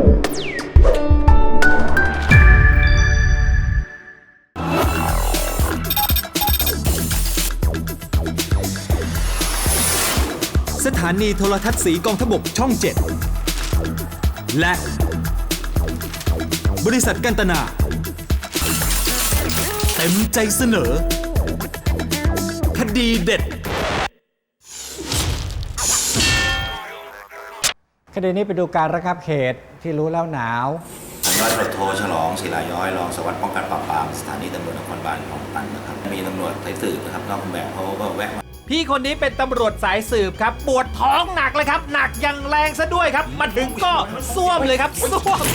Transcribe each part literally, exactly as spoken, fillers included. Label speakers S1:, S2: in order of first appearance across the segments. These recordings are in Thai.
S1: สถานีโทรทัศน์สีกองทพบกช่องเจ็ดและบริษัทกันตนาเต็มใจเสนอคดีเด็ด
S2: คดีนี้ไปดูการระงับเหตุที่รู้แล้วหนาว
S3: ร้อยตำรวจโทฉลองศิลาย้อยรองสารวัตรป้องกันปราบปรามสถานีตำรวจนครบาลคลองตันนะครับมีตำรวจสายสืบนะครับนอกเครื่องแบบเขาก็แวะมา
S4: พี่คนนี้เป็นตำรวจสายสืบครับปวดท้องหนักเลยครับหนักอย่างแรงซะด้วยครับมาถึงก็ซ่วมเลยครับซ่วม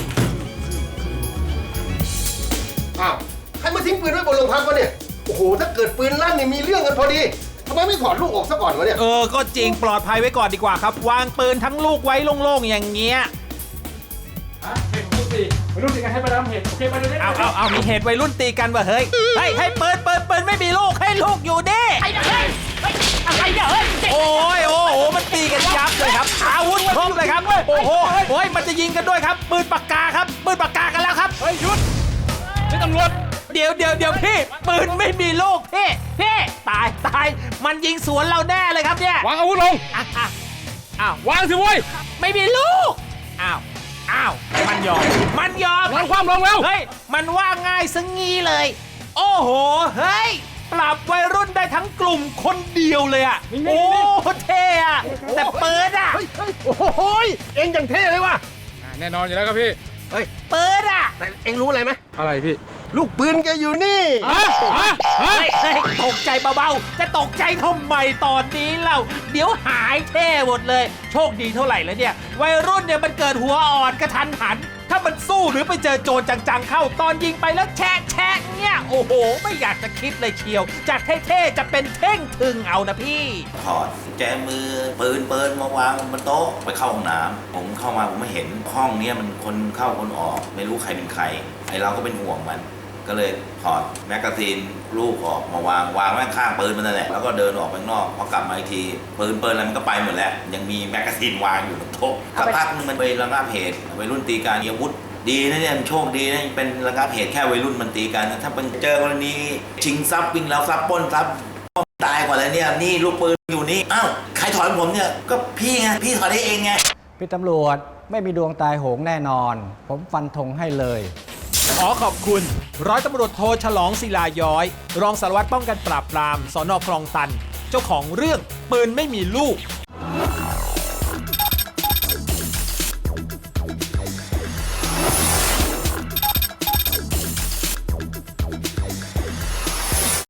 S5: อ้าวใครมาทิ้งปืนไว้บนโรงพักวะเนี่ยโอ้โหถ้าเกิดปืนลั่นเนี่ยมีเรื่องกันพอดีทำไมไม่ถอดลูกออกซะก่อนวะเนี่ย
S4: เออก็จริงปลอดภัยไว้ก่อนดีกว่าครับวางปืนทั้งลูกไว้โล่งๆอย่างเงี้ย
S6: วัยรุ่นตีกันให้มาดามเหตุโอเคมาเลย
S4: เอาเอาเอามีเหตุวัยรุ่นตีกันวะเฮ้ยให้ให้ปืนปืนปืนไม่มีลูกให้ลูกอยู่ดิไอ้เฮ้ยอะไรเนี่ยเฮ้ยโอ้ยโอ้โหมันตีกันยับเลยครับอาวุธครบเลยครับโอ้โหโอ้ยมันจะยิงกันด้วยครับปืนปากกาครับปืนปากกากันแล้วครับ
S6: เฮ้ยหยุดนี่ตำรวจ
S4: เดี๋ยวเดี๋ยวเดี๋ยวพี่ปืนไม่มีลูกพี่พี่ตายตายมันยิงสวนเราแน่เลยครับเนี่ยว
S6: างอาวุธลง
S4: อ้าว
S6: วางสิเว้ย
S4: ไม่มีลูกอ้าวอ้าวมันยอมมันยอม
S6: วางความลงแล้ว
S4: เฮ้ยมันว่าง่ายซะงี้เลยโอ้โหเฮ้ยปราบวัยรุ่นได้ทั้งกลุ่มคนเดียวเลยอ่ะโอ้เท่อะแต่เปิดอ่ะ
S5: โอ้โหเอ็งอย่างเท่เลยว่ะ
S6: แน่นอนอยู่แล้วครับพี่
S5: เฮ้ย
S4: เปิดอ่ะ
S5: แต่เอ็งรู้อะไรไหม
S6: อะไรพี่
S5: ลูกปืนแกอยู่นี่
S6: ฮะฮะ
S4: เฮ้ยตกใจเบาๆจะตกใจทำไมตอนนี้เล่าเดี๋ยวหายเท่หมดเลยโชคดีเท่าไหร่แล้วเนี่ยวัยรุ่นเนี่ยมันเกิดหัวอ่อนกระทันหันถ้ามันสู้หรือไปเจอโจรจังๆเข้าตอนยิงไปแล้วแชะแชะเนี่ยโอ้โหไม่อยากจะคิดเลยเชียวจากเท่ๆจะเป็นเท่งทึงเอานะพี่
S3: ถอดแจมือปืนปืนมาวางบนโต๊ะไปเข้าห้องน้ำผมเข้ามาผมไม่เห็นห้องนี้มันคนเข้าคนออกไม่รู้ใครเป็นใครไอเราก็เป็นห่วงมันก็เลยถอดแมกกาซีนลูกออกมาวางวางไว้ข้างปืนมันนั่นแหละแล้วก็เดินออกไปข้างนอกพอกลับมาอีกทีปืนปืนอะไรมันก็ไปหมดแล้วยังมีแมกกาซีนวางอยู่บนโต๊ะสักพักนึงมันไประงับเหตุวัยรุ่นตีกันอาวุธดีนะเนี่ยโชคดีนะเป็นระงับเหตุแค่วัยรุ่นมันตีกันถ้าเป็นเจอกรณีชิงทรัพย์วิ่งแล้วทรัพย์ปล้นทรัพย์ตายกว่าแล้วเนี่ยนี่ลูกปืนอยู่นี่อ้าวใครถอดผมเนี่ยก็พี่ไงพี่ถอดได้เองไง
S2: พี่ตำรวจไม่มีดวงตายโหงแน่นอนผมฟันธงให้เลย
S4: ขอขอบคุณร้อยตำรวจโทฉลองศิลาย้อยรองสารวัตรป้องกันปราบปรามสน.คลองตันเจ้าของเรื่องปืนไม่มีลูก